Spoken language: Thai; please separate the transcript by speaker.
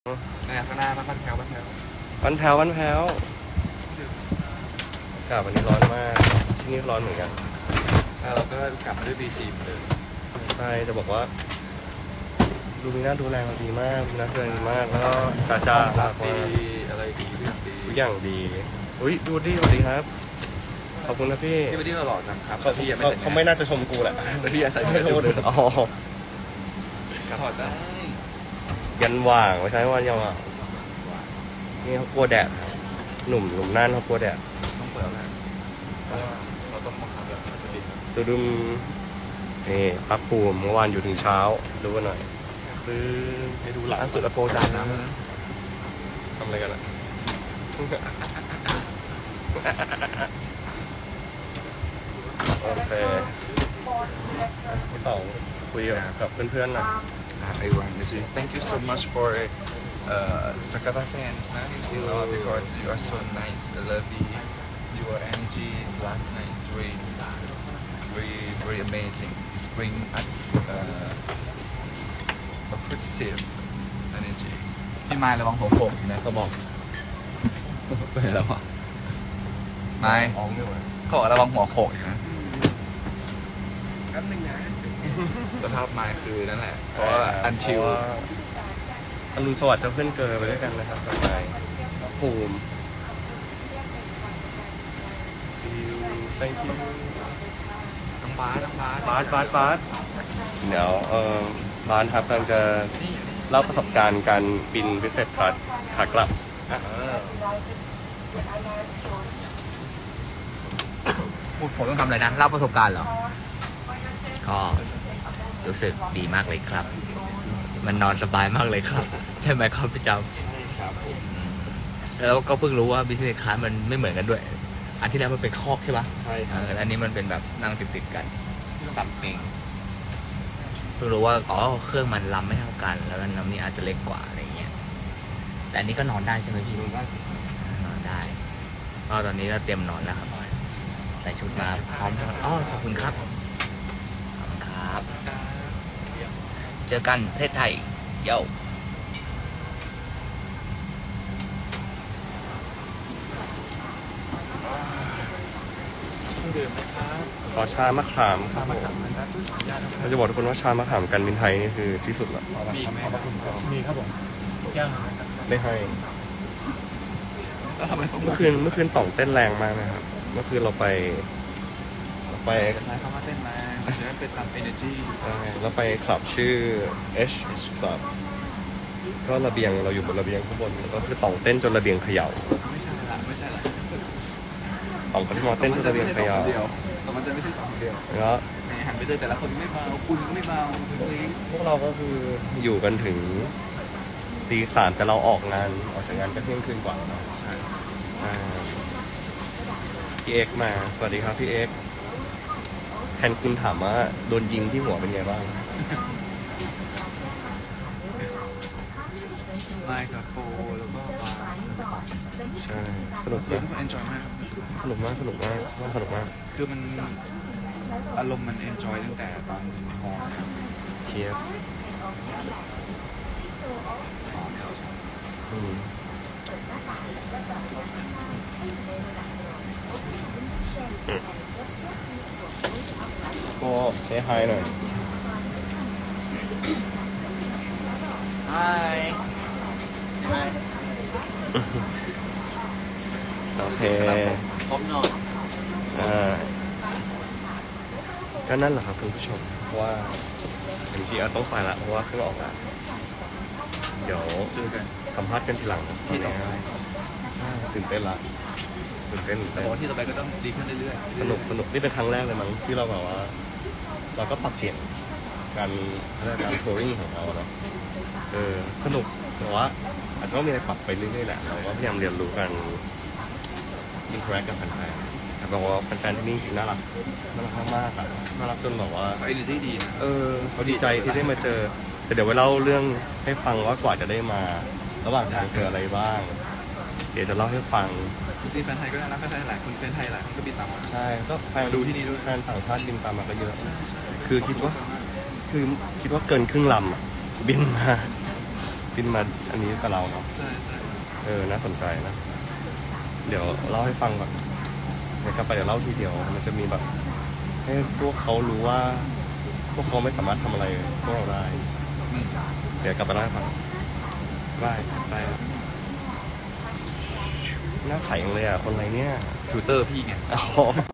Speaker 1: ข้างหน้าบ้านแถว
Speaker 2: วันแพ้วอากาศวันนี้ร้อนมากที่นี่ร้อนเหมือนกัน
Speaker 1: เราก็กลับมาด้วย B4 เหมือนเดิม
Speaker 2: ใช่จะบอกว่าดูมีหน้าดูแลเราดีมากนะเพื่อนดีมากแล้วก็จ้า
Speaker 1: ดีอะไรดี
Speaker 2: ทุกอย่างดีอุ้ยดูดิสวัสดีครับขอบคุณนะพี่
Speaker 1: พี่หล่อจังครับพี่ยังไม่
Speaker 2: เขาไม่น่าจะชมกูแหละ
Speaker 1: พี่ใส่
Speaker 2: ไม่ชมเลยอ๋อ
Speaker 1: ถอดได้
Speaker 2: ยันว่างไม่ใช่วันยังว่างนี่เขากลัวแดดหนุ่มนั่นเขากลัวแดด
Speaker 1: ต้องเปิดแล้วเราต้องมาขับแบบ
Speaker 2: ดูดุมนี่พักภูมิเมื่อวานอยู่ถึงเช้าดูกันหน่อยคือ
Speaker 1: ให้ดูหลังสุดอโปจานน้
Speaker 2: ทำอะไรกันอ่ะโอเคพี่เต่าคุยกับเพื่อนๆหน่อย
Speaker 1: everyone thank you so much for Jakarta fans because you are so nice I love your energy last night very amazing this bring us a positive energy พี่ไม้ระวังหัวโขกอยู่นะเขาบอกเป็นแล้วอ่ะไม้เขาบอกระวังหัวโขกอยู่นะแป๊บนึงนะสภาพไม้คือนั่นแหละเพราะว่าอันทิว
Speaker 2: อรุณสวัสดิ์เจ้าเพื่อนเกิดไปด้วยกันนะครับต่อไปภูมิ see you thank you
Speaker 1: น้องบาส
Speaker 2: เดี๋ยวบาสครับกำลังจะเล่าประสบการณ์การบินพิเศษขากลับ
Speaker 3: ผมต้องทำอะไรนะเล่าประสบการณ์เหรอก็รู้สึกดีมากเลยครับมันนอนสบายมากเลยครับใช่ไหมครับพี่จำแล้วก็เพิ่งรู้ว่าบิสเนสคลาสมันไม่เหมือนกันด้วยอันที่แล้วมันเป็นคอกใช่ปะ
Speaker 2: ใช่
Speaker 3: อันนี้มันเป็นแบบนั่งติดกันซัมติงเพิ่งรู้ว่าอ๋อเครื่องมันลำไม่เท่ากันแล้วลำนี้อาจจะเล็กกว่าอะไรเงี้ยแต่อันนี้ก็นอนได้ใช่ไหมพี่นอนได้สินอนได้ก็ตอนนี้ก็เตรียมนอนแล้วครับใส่ชุดมาพร้อมจะอ๋อขอบคุณครับเจอกันประเทศไทยเย้า
Speaker 2: ขอชามะขามครับเราจะบอกทุกคนว่าชามะขามกันบินไทยนี่คือที่สุดละ
Speaker 1: มีครับผมย่าง
Speaker 2: ไม่ให้
Speaker 1: แล้วทำไมต้อง
Speaker 2: เมื่อคืนต่องเต้นแรงมากนะครับเมื่อคืนเราไป
Speaker 1: ใช้คำว่าเต้นมาจะได้เป็นตาม energy
Speaker 2: เราไปคลับชื่อ H Club ก็ระเบียงเราอยู่บนระเบียงข้างบนแล้วก็คือต่องเต้นจนระเบียงเขย่า
Speaker 1: ไม่ใช่ละ
Speaker 2: ต่องก็ที่มาเต้นจนระเบียงเขย่า
Speaker 1: แต่มันจะไม่ใช่ต่องเดียว
Speaker 2: แล้ว
Speaker 1: หันไปเจอแต่ละคนไม่เมาคุณไม่เมา
Speaker 2: พวกเราก็คืออยู่กันถึงตีสามแต่เราออกจากงานก็เที่ยงคืนกว่า
Speaker 1: ใช่
Speaker 2: พี่เอ็กมาสวัสดีครับพี่เอ็กแทนคุณถามว่าโดนยิงที่หัวเป็นไงบ้าง
Speaker 1: ไม่ครับโปแล้วก็บาร์
Speaker 2: ใช่สนุกมาก
Speaker 1: enjoy มาก
Speaker 2: สนุกมาก
Speaker 1: คือมันอารมณ์มัน enjoy ตั้งแต่ตอนในฮอลล์
Speaker 2: เชียร์ก็เซฮายหน่อยโอเค
Speaker 1: พร้อมนอน
Speaker 2: ก็นั่นแหละครับคุณผู้ชมเพราะว่าบางทีเราต้องไปละเพราะว่าเครื่องออกละเดี๋ยว
Speaker 1: เจอกัน
Speaker 2: สัมภาษณ์กันทีหลัง
Speaker 1: ที่ต่อไป
Speaker 2: ใช่ตื่นเต้น
Speaker 1: ที่ต่อไปก็ต้องดีขึ้นเรื่อย
Speaker 2: ๆสนุกนี่เป็นครั้งแรกเลยมั้งที่เราแบบว่าเราก็ปรับเปลี่ยนการทัวริงของเราเนาะสนุกแต่ว่าอาจจะต้องมีอะไรปรับไปเรื่อยๆแหละเราก็พยายามเรียนรู้กันอินเทอร์แอคกับแฟนๆแต่บอกว่าแฟนๆที่นี่จริงน่ารักมากอ่ะน่ารักจนแบบว่า
Speaker 1: เขาดีดีนะ
Speaker 2: เขาดีใจที่ได้มาเจอแต่เดี๋ยวไว้เล่าเรื่องให้ฟังว่ากว่าจะได้มาระหว่างทางเจออะไรบ้างเดี๋ยวจะเล่าให้ฟัง
Speaker 1: จริงๆแฟนไทยก็น่ารักแฟนไทยหลายคนแฟนไทยหลายคนก็บินตามมา
Speaker 2: ใช่ก็แฟน
Speaker 1: ดูที่นี่ด้วย
Speaker 2: แฟนต่างชาติบินตามมาก็เยอะคือคิดว่าเกินครึ่งลำบินมาบินมาอันนี้กับเราเนาะ
Speaker 1: ใช่ใช่
Speaker 2: น่าสนใจนะ เดี๋ยวเล่าให้ฟังก่อนเดี๋ยวกลับไปเดี๋ยวเล่าทีเดียว มันจะมีแบบ ให้พวกเขารู้ว่า พวกเขาไม่สามารถทำอะไรพวกเราได้ เดี๋ยวกลับไปเล่าให้ฟังบายบายหน้าใสจังเลยอ่ะ คนอะไรเนี่ย
Speaker 1: ฟิลเตอร์พี่ไง
Speaker 2: อ๋อ